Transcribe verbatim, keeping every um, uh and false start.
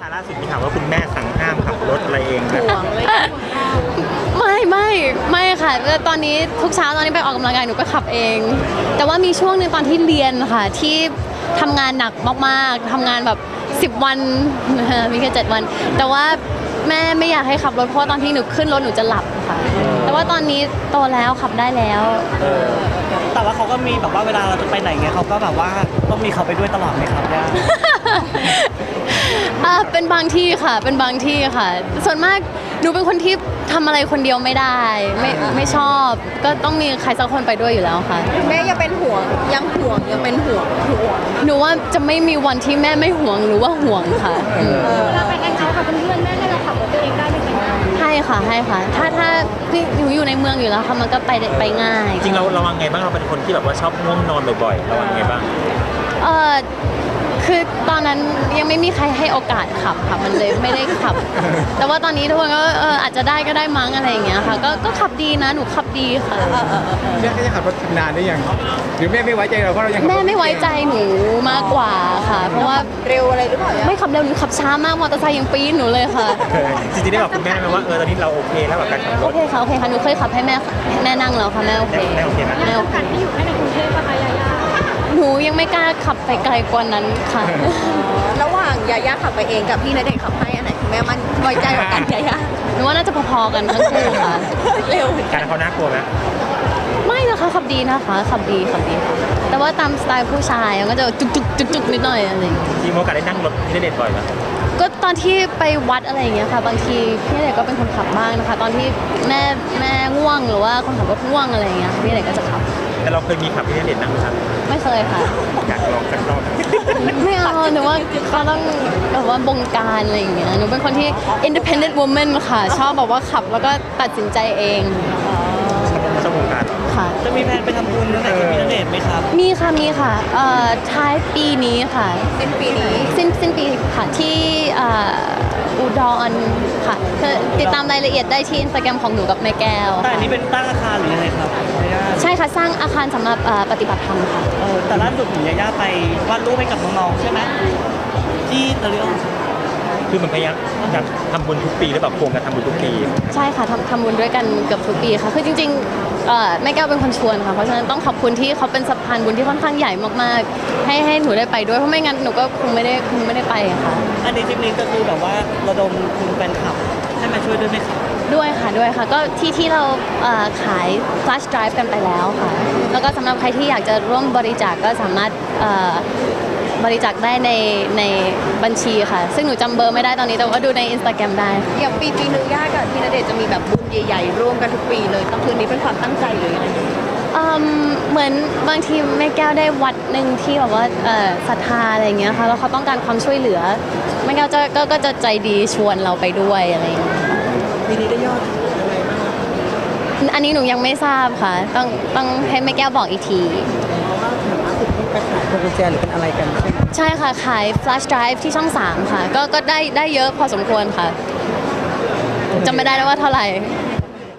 ล่าสุดมีข่าวว่าคุณแม่สั่งห้ามขับรถอะไรเองนะห่วงเลยไม่ไม่ไม่ค่ะตอนนี้ทุกเช้าตอนนี้ไปออกกำลังกายหนูก็ขับเอง แต่ว่ามีช่วงหนึงตอนที่เรียนค่ะที่ทำงานหนักมากๆทำงานแบบสิบวัน มีแค่เจ็ดวัน แต่ว่าแม่ไม่อยากให้ขับรถเพราะว่าตอนที่หนูขึ้นรถหนูจะหลับค่ะ แต่ว่าตอนนี้โตแล้วขับได้แล้วแต่ว่าเขาก็มีแบบว่าเวลาเราจะไปไหนเงี้ยเขาก็แบบว่าต้องมีเขาไปด้วยตลอดไหมครับย่าอ่าเป็นบางที่ค่ะ เป็นบางที่ค่ะ ส่วนมากหนูเป็นคนที่ทำอะไรคนเดียวไม่ได้ ไม่ไม่ชอบ ก็ต้องมีใครสักคนไปด้วยอยู่แล้วค่ะแม่ยังเป็นห่วงยังห่วงยังเป็นห่วงห่วงหนูว่าจะไม่มีวันที่แม่ไม่ห่วงหรือว่าห่วงค่ะอืมเราไปแองเอาท์กับเพื่อนๆแม่ให้เราขับรถตัวเองได้ไหมคะให้ค่ะให้ค่ะ ถ้าถ้าพี่หนูอยู่ในเมืองอยู่แล้วค่ะมันก็ไปได้ไปง่ายจริงเราระวังไงบ้างเราเป็นคนที่แบบว่าชอบง่วงนอนบ่อยๆระวังไงบ้างเออคือตอนนั้นยังไม่มีใครให้โอกาสขับค่ะมันเลยไม่ได้ขับ แต่ว่าตอนนี้ทุกคนก็เอออาจจะได้ก็ได้มั้งอะไรอย่างเงี้ยค่ะก็ก็ขับดีนะหนูขับดีค่ะแม่ก็จะขับรถนานได้ยังหรือแม่ไม่ไว้ใจเราเพราะเรายังขับรถแม่ไม่ไว้ใจหนูมากกว่าค่ะ เพราะว่าเร็วอะไรหรือเปล่าย่าไม่ขับเร็วหนูขับช้ามากมอเตอร์ไซค์ยังปีนหนูเลยค่ะจริงๆได้บอกคุณแม่ไหมว่าเออตอนนี้เราโอเคแล้วกับการขับรโอถเคค่ะโอเคค่ะหนูเคยขับให้แม่แม่นั่งแล้วค่ะแม่โอเคแม่โอเคไหมแม่โอเคการที่อยู่แค่ในกรุงเทพปะคะยายาหนูยังไม่กล้าขับไปไกลกว่านั้นค่ะระหว่างยาย่าขับไปเองกับพี่ณเดชน์ขับให้อันไหนคุณแม่มันไว้ใจกว่ากันยาย่าหนูว่าน่าจะพอๆกันทั้งคู่ค่ะเร็วการเขาน่ากลัวไหมไม่นะคะขับดีนะคะขับดีขับดีค่ะแต่ว่าตามสไตล์ผู้ชายมันก็จะจุกจุกจุกจุกนิดหน่อยอะไรอย่างเงี้ยจริงๆมีโอกาสได้นั่งรถที่เด็ดบ่อยไหมก็ตอนที่ไปวัดอะไรอย่างเงี้ยค่ะบางทีพี่เด็กก็เป็นคนขับบ้างนะคะ ตอนที่แม่แม่ง่วงหรือว่าคนขับรถง่วงอะไรอย่างเงี้ยพี่เด็กก็จะขับแต่เราเคยมีขับที่เด็ดนั่งไหมครับไม่เคยค่ะอยากลองสักรอบไม่เอาหนูว่าเขาต้องแบบว่าบงการอะไรอย่างเงี้ยหนูเป็นคนที่ independent woman ค่ะ ชอบแบบว่าขับแล้วก็ตัดสินใจเองชอบวงการค่ะจะมีแผนไปทำบุญตั้งแต่กับพี่ณเดชน์ไหมครับมีค่ะมีค่ะเอ่อท้ายปีนี้ค่ะสิ้นปีนี้สิ้นสิ้นปีค่ะที่เอ่ออุดรค่ะคือติดตามรายละเอียดได้ที่อินสตาแกรมของหนูกับแม่แก้วแต่อันนี้เป็นตั้งอาคารหรือยังไงครับยาย่าใช่ค่ะ สร้างอาคารสำหรับเอ่อปฏิบัติธรรมค่ะเออแต่ล่าสุดเห็นยาย่าไปวาดรูปให้กับน้องๆใช่ไหมที่เตลิโอคือมันพยายามอยากทำบุญทุกปีหรือแบบโครงการทำบุญทุกปีใช่ค่ะทำทำบุญด้วยกันเกือบทุกปีค่ะ คือจริงๆเอ่อแม่แก้วเป็นคนชวนค่ะ เพราะฉะนั้นต้องขอบคุณที่เขาเป็นสะพานบุญที่ค่อนข้างใหญ่มากๆ ให้ให้หนูได้ไปด้วย เพราะไม่งั้นหนูก็คงไม่ได้คงไม่ได้ไปค่ะอันนี้ทริปนี้ก็คือแบบว่าระดมทุนแฟนคลับให้มาช่วยด้วยไหมครับด้วยค่ะด้วยค่ะ ก็ที่ที่เราเอ่อขาย flash drive กันไปแล้วค่ะ แล้วก็สำหรับใครที่อยากจะร่วมบริจาคก็สามารถเอ่อบริจาคได้ในในบัญชีค่ะ ซึ่งหนูจำเบอร์ไม่ได้ตอนนี้แต่ว่าดูใน Instagram ได้ค่ะอย่างปีปีหนึงย่ากับพี่ณเดชน์จะมีแบบบุญใหญ่ๆร่วมกันทุกปีเลยต้องคืนนี้เป็นความตั้งใจหรือยังไงอืมเหมือนบางทีแม่แก้วได้วัดหนึ่งที่แบบว่าเอ่อศรัทธาอะไรอย่างเงี้ยค่ะแล้วเขาต้องการความช่วยเหลือแม่แก้วจะก็ก็จะใจดีชวนเราไปด้วยอะไรอย่างเงี้ยปีนี้ได้ยอดอันนี้หนูยังไม่ทราบค่ะ ต้องต้องให้แม่แก้วบอกอีกทีไปขายพวงกุญแจหรือเป็นอะไรกันใช่ไหมใช่ค่ะขาย flash drive ที่ช่องสามค่ะ ก็ก็ได้ได้เยอะพอสมควรค่ะจำไม่ได้แล้วว่าเท่าไหร่